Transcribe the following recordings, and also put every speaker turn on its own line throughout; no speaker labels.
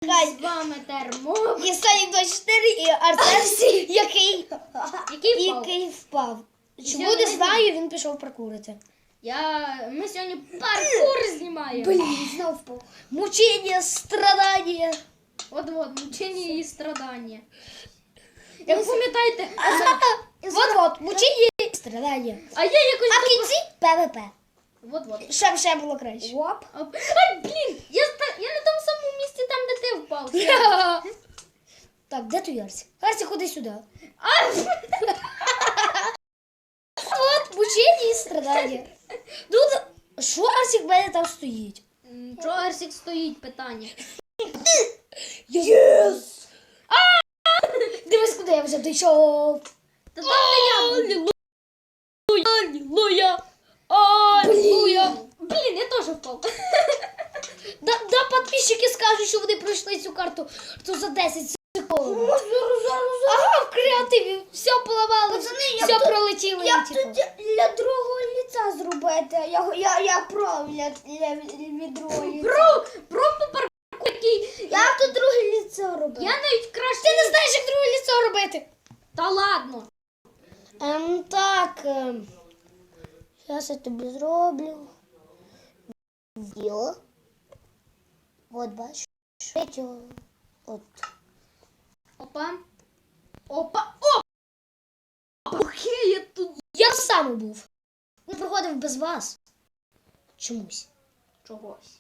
З вами Термо. І Санік 24, і Арсен, який впав. Чому не знаю, він пішов прокурити.
Ми сьогодні паркур знімаємо.
Блін, знов впав. Мучення, страдання.
От, мучення і страдання. Як пам'ятаєте,
Вот, мучення і страдання.
а я якось...
А в кінці ПВП.
Вот.
Ще було краще.
Оп. Ай, блін, я на тому самому місці, там, де ти впав.
Так, де той Арсік? Арсік, ходи сюди. От, мучення і страдання. Тут, що Арсік в мене там стоїть?
Чого Арсік стоїть, питання?
Єс! Дивись, куди я вже дійшов.
Та там не я був.
Аллилуйя!
Блін, я теж впав.
Да, підписчики скажуть, що вони пройшли цю карту за 10 секунд. Ага, в креативі все поламали, все пролетіло.
Як тут для другого ліця зробити? Я про від другого ліця.
Про паркур, який...
Як тут друге ліцо робити?
Я навіть краще...
Ти не знаєш, як друге ліцо робити.
Та ладно.
Так, зараз я тобі зроблю. Відео. От, бачиш. Відео. От.
Опа. Окей, я тут...
Я сам був. Він проходив без вас. Чомусь.
Чогось.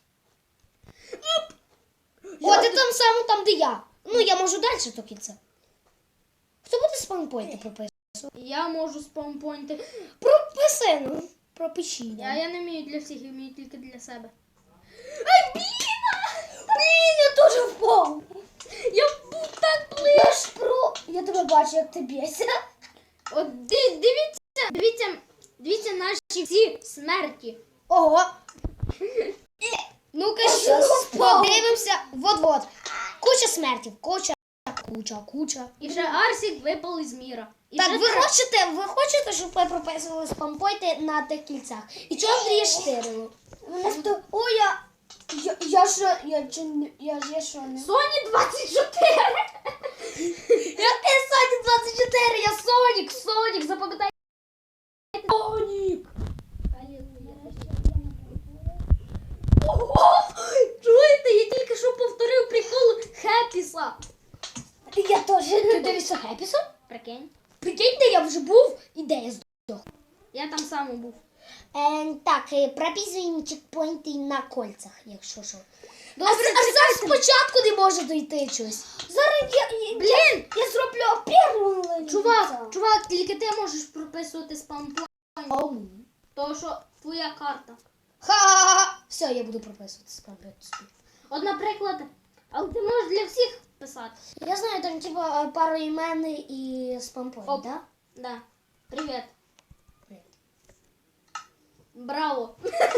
О, ти там саме там, де я. Ну, я можу далі до кінця. Хто буде спампойти прописувати?
Я можу спампойнти.
Прописи, ну. Пропиши.
Я не вмію для всіх, я вмію тільки для себе.
Блін, я теж впав.
Я був так
Я
близько.
ж про... Я тебе бачу, як ти б'єшся.
От дивіться наші всі смерті.
Ого. Ну-ка, щас подивимося. Вот. Куча смертів. Куча.
І ще Арсік випав із міра. І
Так,
ще
ви хочете, щоб ви прописували спампойти на тих кільцях? І чого Андрія штирило?
О, я що не...
Соні 24.
Який Сонік 24? Я Сонік, запам'ятай. Сонік.
Чуєте, я тільки що повторив прикол Хеппіса.
Я теж.
Ти дивишся Хеппіса?
Прикинь.
Прикинь, де я вже був і де я здох.
Я там сам був.
Так, прописуємо чекпоінти на кольцях, якщо що.
Добре,
А зараз спочатку не може дойти щось.
Зараз
Блін!
я зроблю першу
Чувак, тільки ти можеш прописувати спампойнт. Тому що твоя карта.
Ха-ха-ха. Все, я буду прописувати спампойти.
От, наприклад, але ти можеш для всіх писати.
Я знаю, там типа пару імен і спампойнт,
Оп.
да?
Да. Привіт.
Привіт.
Браво.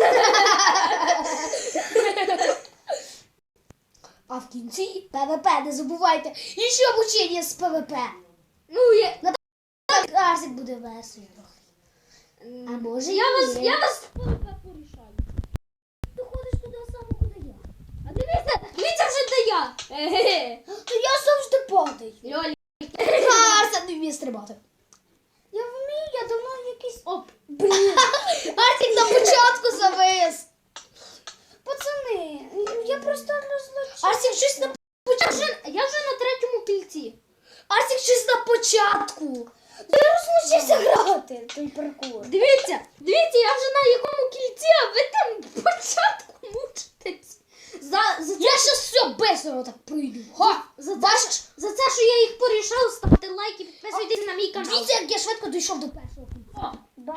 А в кінці ПВП, не забувайте. І ще мучення з ПВП.
Ну, я...
Так, Арсик буде весело. А може
я
і
вас,
ні.
я вас порішаю.
Ти ходиш туди саме, куди я.
А дивіться вже де я. Еге.
То я завжди падаю.
Льолі.
Арсик не вміє стрибати.
Я вмію, я давно якийсь...
Оп.
Блін.
Арсик на початку завис.
Пацани, я просто розлучу.
Арсик щось на
Я вже на третьому кільці.
Арсик щось на початку.
Я розлучився грати той паркур.
Дивіться, я вже на якому кільці, а ви там початку мучитесь.
Я щас все бесоро так пройду. Ха!
За це, що я їх порішав, ставте лайки, підписуйтесь на мій канал.
Дивіться, як я швидко дійшов до першого кінця.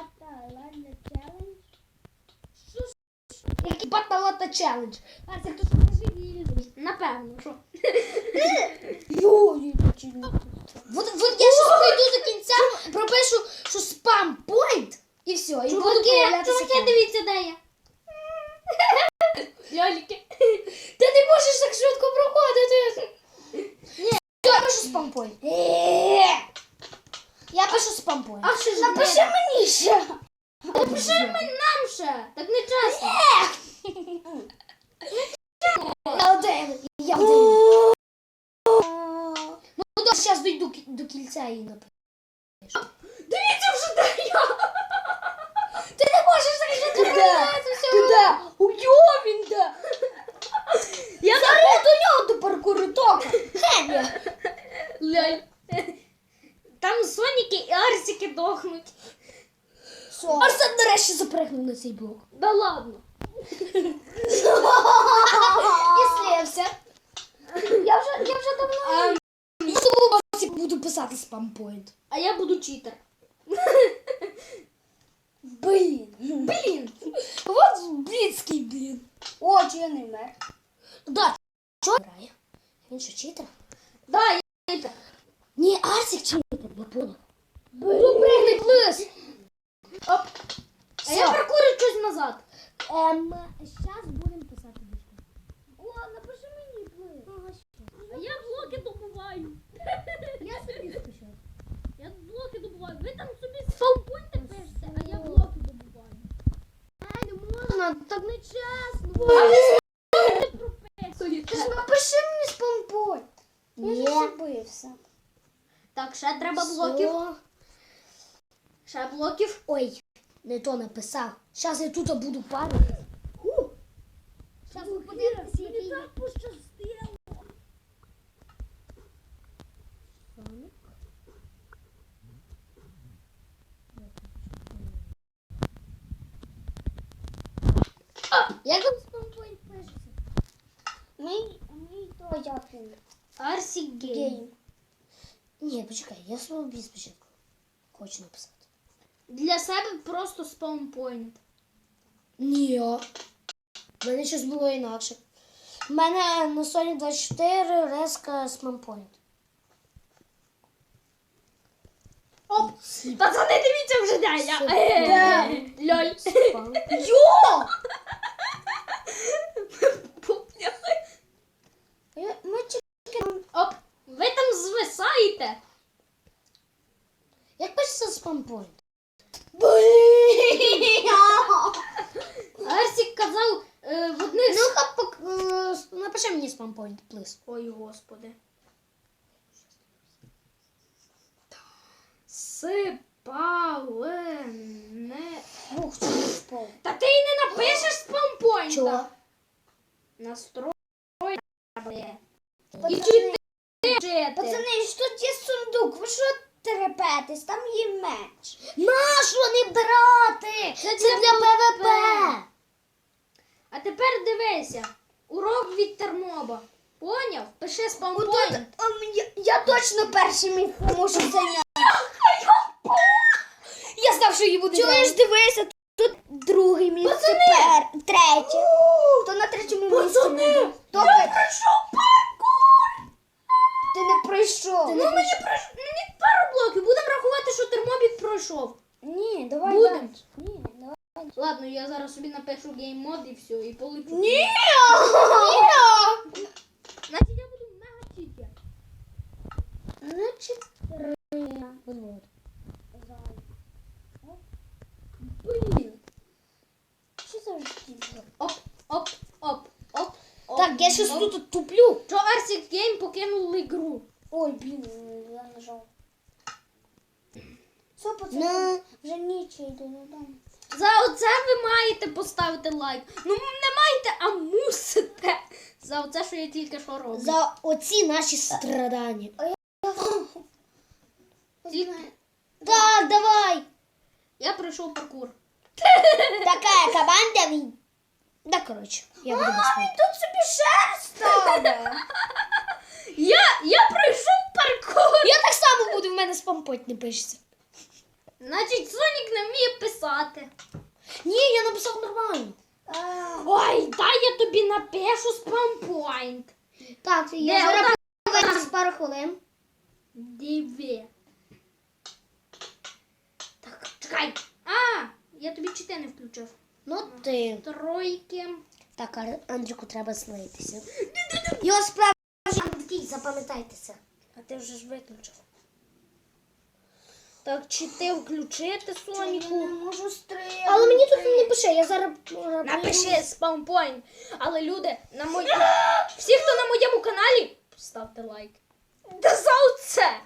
Який баталата челендж. Арсик, то скажи вільний.
Напевно, що.
Вот я щас пройду до кінця, пропишу, що спам пойнт, і все. І буду появлятися
Чуваки,
там.
дивіться, де я. Льоліки.
Ти не можеш так швидко проходити. Ні. Я пишу спам пойнт. Я пишу спам пойнт.
А що ж
Напиши мені ще.
Напиши нам ще. Так не чесно.
Я один. зараз дійду до кільця і напишу.
Дивіться вже, де я!
Ти не можеш закрити
Туди. Уйо, він де.
Я
Зараз до нього до паркуру тока.
Ляль. Там Соніки і Арсіки дохнуть.
Що?
Арсен нарешті запригнув на цей блок.
Да ладно.
І слився.
Я вже давно.
Я думала, що буду писати спампойнт.
А я буду читер.
Блін.
Вот блінський блін.
О, чи я не вмер.
Да, що грає? Він що, читер?
Да, я читер.
Ні, Арсик читер, я понял. Ну, пригни плис.
Оп. А я паркурю щось назад.
Зараз будемо писати більше.
О, напиши мені плив.
А я блоки добуваю.
Я собі спишу.
Я блоки добуваю. Ви там собі спаунпойнти пишете, а я блоки добуваю.
Не можна, так не чесно.
А ви прописуєте.
Ти ж напиши мені спампой. Я
Ні.
ж забився.
Так, ще треба блоків.
Все.
Ще блоків.
Ой, не то написав. Зараз я тут буду парити.
Зараз ми подивимося, який.
пощастило.
Як там спампойнт пишеться?
Мій то як він.
Арсік гейм.
Гейм.
Ні, почекай, я собі спочатку хочу написати.
Для себе просто спаунпойнт.
Ні. В мене щось було інакше. У мене на Sony 24 резка спампойнт.
Оп! Пацани, дивіться вже, де я.
Де?
Льоль.
Спам.
Йо! Ми
Оп! Ви там звисаєте.
Як пишеться спампойнт?
Арсік казав в одних...
Ну-ка, напиши мені спампойнт, плиз.
Ой, господи. Сипалене.
Ух, це не спав.
Та ти й не напишеш спаунпойнта.
Чого?
Настрой. І
Пацани,
чити.
пацани, що тут є сундук? Ви що терепетесь? Там є меч.
Нащо не брати? Це для ПВП.
А тепер дивися. Урок від Терноба. Поняв? Пиши спаунпойнт.
Я точно перший міг можу зайняти.
Я знав, що її буде.
Чуєш, дивися, тут другий місце, третє. То на третьому місці.
Пацани,
То я пройшов паркур. Ти не пройшов.
Ну мені пару блоків. Будемо рахувати, що Термобік пройшов.
Ні, давай.
Будем.
далі. Ні, давай.
Ладно, я зараз собі напишу гейммод і все, і полечу.
Ні.
Значить я буду мега читер.
Не чотири.
Вот.
Блін. Що за життя?
Оп, оп, оп, оп, оп.
Так, я щось
оп.
тут туплю.
Що Арсік Гейм покинули гру.
Ой, блін, я нажав. Все, пацани,
Ну,
вже ніч, я йду додому.
За оце ви маєте поставити лайк. Ну не маєте, а мусите. За оце, що я тільки що роблю.
за оці наші страдання.
Тільки-
Так, давай.
Я пройшов паркур.
Така команда він.
Да, коротше, я буду без
Ай, тут собі шерсть стане.
Я пройшов паркур.
Я так само буду, в мене спампойнт не пишеться.
Значить, Сонік не вміє писати.
Ні, я написав нормально.
Ой, дай я тобі напишу спампойнт.
Так,
Де?
я зараз
Отак.
повернусь пару хвилин.
Диви. Так, чекай. А, я тобі чити не включив.
Ну ти.
Тройки.
Так, Андріку треба слитися. Його справжній такий, запам'ятайте це.
А ти вже ж виключив. Так, чити включити Соніку.
Я не можу стріляти.
Але мені тут не пише, я зараз...
Напиши спаунпойнт. Але люди, всі, хто на моєму каналі, ставте лайк. Да за оце.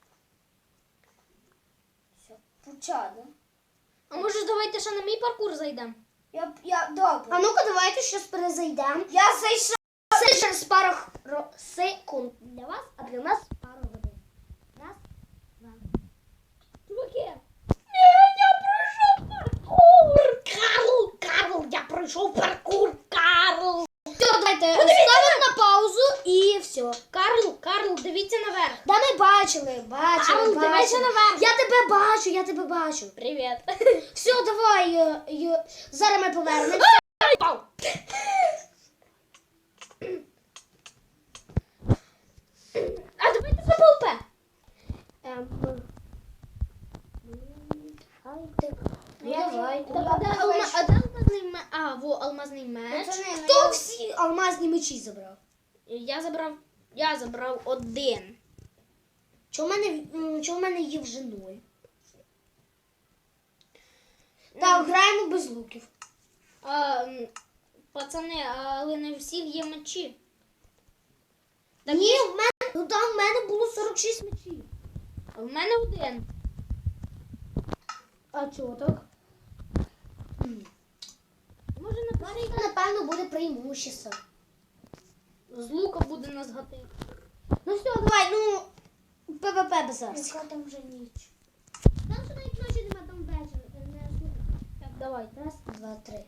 Все, почали.
А може давайте ще на мій паркур зайдемо?
Добре.
А ну-ка, давайте щось перезайдемо.
Я зайшов.
Це через пару секунд для вас, а для нас пару годин. Раз, два.
Чуваки.
Я пройшов паркур! Карл, я пройшов паркур, Карл! Все, давайте ставимо на паузу і все.
Карл, дивіться наверх.
Да ми бачили.
Карл, дивися наверх.
Я тебе бачу.
Привіт.
Все, давай, зараз ми повернемося.
А давайте за ПЛП.
Давай.
А де алмазний меч? А, во, алмазний меч.
Хто всі алмазні мечі забрав?
Я забрав один.
Чого в мене є вже 0? Так, граємо без луків.
Пацани, але не у всіх є мечі.
Ні, в мене було 46 мечів.
А в мене один.
А чого так?
Може напишіть.
Напевно, буде преимущество.
З лука буде нас гати.
Ну все, давай, ПВП без нас.
Яка там вже ніч?
Там що навіть ночі нема, там вечір.
Так, давай.
Раз, два, три.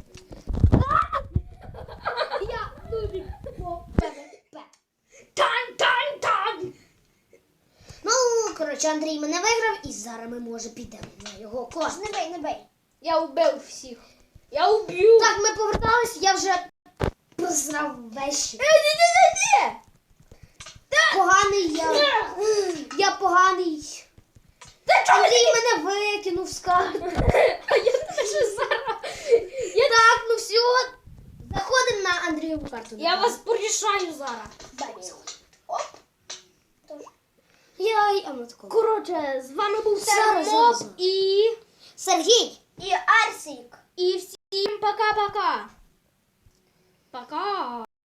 Я дубік.
ПВП.
Тань!
Ну, коротше, Андрій мене виграв, і зараз ми, може, підемо на його кост.
Не бей.
Я вбив всіх. Я вб'ю.
Так, ми повертались, я вже просрав вещі.
Ні.
Поганий я. Я поганий. Андрій мене викинув з карти.
А я тебе ще зараз.
Так, ну все. Заходимо на Андрієву карту.
Я вас порішаю зараз.
А ну тако.
Коротше, з вами був
Зараз,
Сермоп
зараз.
і
Сергій.
І Арсік.
всім пока-пока. Пока.